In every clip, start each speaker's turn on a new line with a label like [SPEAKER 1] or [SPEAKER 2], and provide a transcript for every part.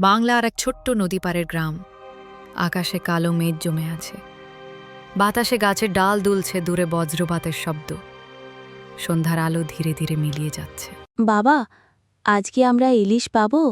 [SPEAKER 1] বাংলার এক ছোট্ট নদীপাড়ের গ্রাম। আকাশে কালো মেঘ জমে আছে, বাতাসে গাছের ডাল দুলছে, দূরে বজ্রপাতের শব্দ। সন্ধ্যার আলো ধীরে ধীরে মিলিয়ে যাচ্ছে।
[SPEAKER 2] বাবা, আজকে আমরা ইলিশ পাবো?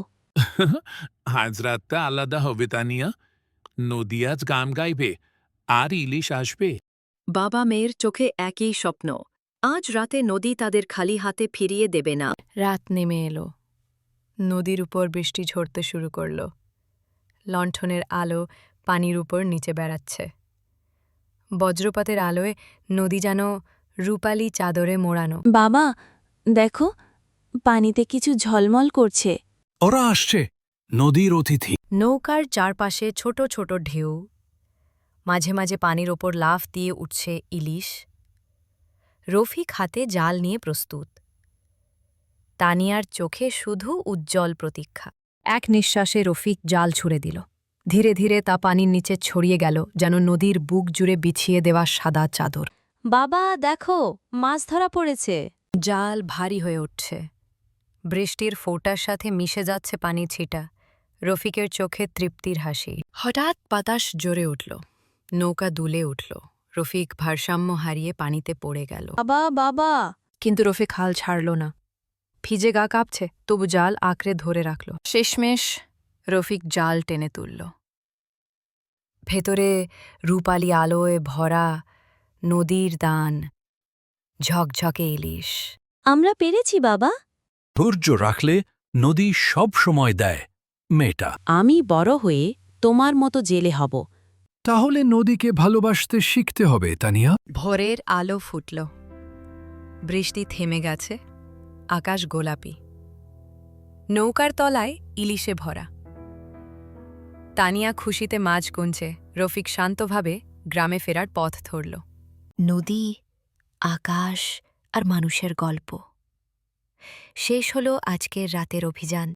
[SPEAKER 3] আজ রাতটা আলাদা হবে তানিয়া। নদী আজ গান গাইবে আর ইলিশ আসবে।
[SPEAKER 4] বাবা মেয়ের চোখে একই স্বপ্ন। আজ রাতে নদী তাদের খালি হাতে ফিরিয়ে দেবে না।
[SPEAKER 1] রাত নেমে এলো, নদীর উপর বৃষ্টি ঝরতে শুরু করল। লণ্ঠনের আলো পানির উপর নিচে বেড়াচ্ছে। বজ্রপাতের আলোয় নদী যেন রূপালি চাদরে মোড়ানো।
[SPEAKER 2] বাবা, দেখো, পানিতে কিছু ঝলমল করছে।
[SPEAKER 5] ওরা আসছে, নদীর অতিথি।
[SPEAKER 1] নৌকার চারপাশে ছোট ছোট ঢেউ, মাঝে মাঝে পানির ওপর লাফ দিয়ে উঠছে ইলিশ। রফিক হাতে জাল নিয়ে প্রস্তুত, তানিয়ার চোখে শুধু উজ্জ্বল প্রতীক্ষা। এক নিঃশ্বাসে রফিক জাল ছুড়ে দিল। ধীরে ধীরে তা পানির নিচে ছড়িয়ে গেল, যেন নদীর বুক জুড়ে বিছিয়ে দেওয়া সাদা চাদর।
[SPEAKER 2] বাবা, দেখো, মাছ ধরা পড়েছে।
[SPEAKER 1] জাল ভারী হয়ে উঠছে, বৃষ্টির ফোঁটার সাথে মিশে যাচ্ছে পানির ছিটা। রফিকের চোখে তৃপ্তির হাসি। হঠাৎ বাতাস জোরে উঠল, নৌকা দুলে উঠল। রফিক ভারসাম্য হারিয়ে পানিতে পড়ে গেল।
[SPEAKER 2] বাবা, বাবা!
[SPEAKER 1] কিন্তু রফিক হাল ছাড়ল না। ভিজে গা কাঁপছে, তবু জাল আঁকড়ে ধরে রাখল। শেষমেশ রফিক জাল টেনে তুলল। ভেতরে রূপালি আলোয় ভরা নদীর দান, ঝকঝকে ইলিশ।
[SPEAKER 2] আমরা পেরেছি বাবা।
[SPEAKER 5] ধৈর্য রাখলে নদী সব সময় দেয়। মেয়েটা
[SPEAKER 2] আমি বড় হয়ে তোমার মতো জেলে হব।
[SPEAKER 5] তাহলে নদীকে ভালোবাসতে শিখতে হবে তানিয়া।
[SPEAKER 1] ভোরের আলো ফুটল, বৃষ্টি থেমে গেছে, আকাশ গোলাপি। নৌকার তলায় ইলিশে ভরা। তানিয়া খুশিতে মাছ গুনছে, রফিক শান্তভাবে গ্রামে ফেরার পথ ধরল। নদী, আকাশ আর মানুষের গল্প। শেষ হলো আজকের রাতের অভিযান।